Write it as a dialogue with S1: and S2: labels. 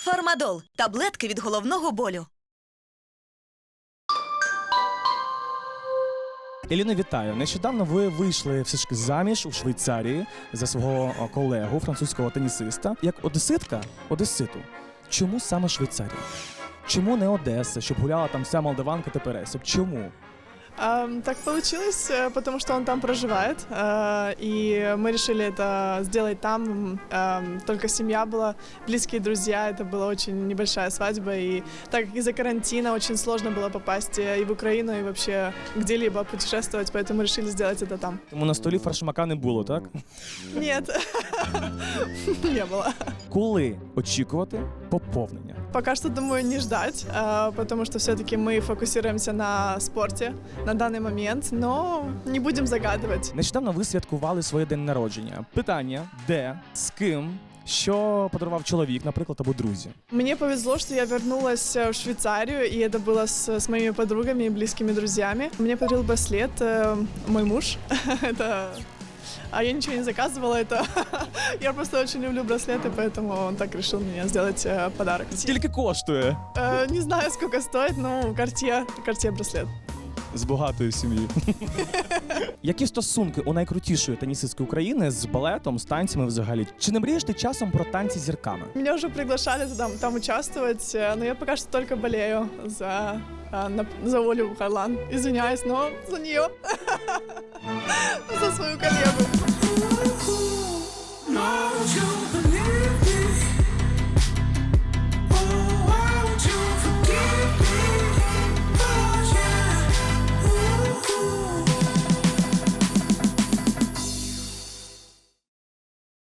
S1: Фармадол – таблетки від головного болю.
S2: Еліно, вітаю. Нещодавно ви вийшли все ж таки заміж у Швейцарії за свого колегу, французького тенісиста. Як одеситу. Чому саме Швейцарія? Чому не Одеса, щоб гуляла там вся молдаванка та пересіб? Чому?
S3: Так получилось, потому что он там проживает, и мы решили это сделать там. Только семья была, близкие друзья, это была очень небольшая свадьба, и так как из-за карантина очень сложно было попасть и в Украину, и вообще где-либо путешествовать, поэтому решили сделать это там.
S2: Тому на столі фаршмака не було, так?
S3: Нет, не было.
S2: Коли очікувати поповнення?
S3: Пока что, думаю, не ждать, потому что все-таки мы фокусируемся на спорте на данный момент, но не будем загадывать.
S2: Нещодавно ви святкували своє день народження. Питання: де, з ким, що подарував чоловік, наприклад, або друзі?
S3: Мне повезло, что я вернулась в Швейцарию, и это было с моими подругами и близкими друзьями. Мне подарил браслет мой муж. А я ничего не заказывала, это я просто очень люблю браслеты, поэтому он так решил мне сделать подарок.
S2: Скільки коштує?
S3: Не знаю, сколько стоит, но Cartier браслет.
S2: З багатої сім'ї. Які стосунки у найкрутішої тенісистки України з балетом, з танцями взагалі? Чи не мрієш ти часом про танці з зірками?
S3: Меня уже приглашали там участвовать, но я пока что только болею за Олю Харлан. Извиняюсь, но за нее. За свою коллегу.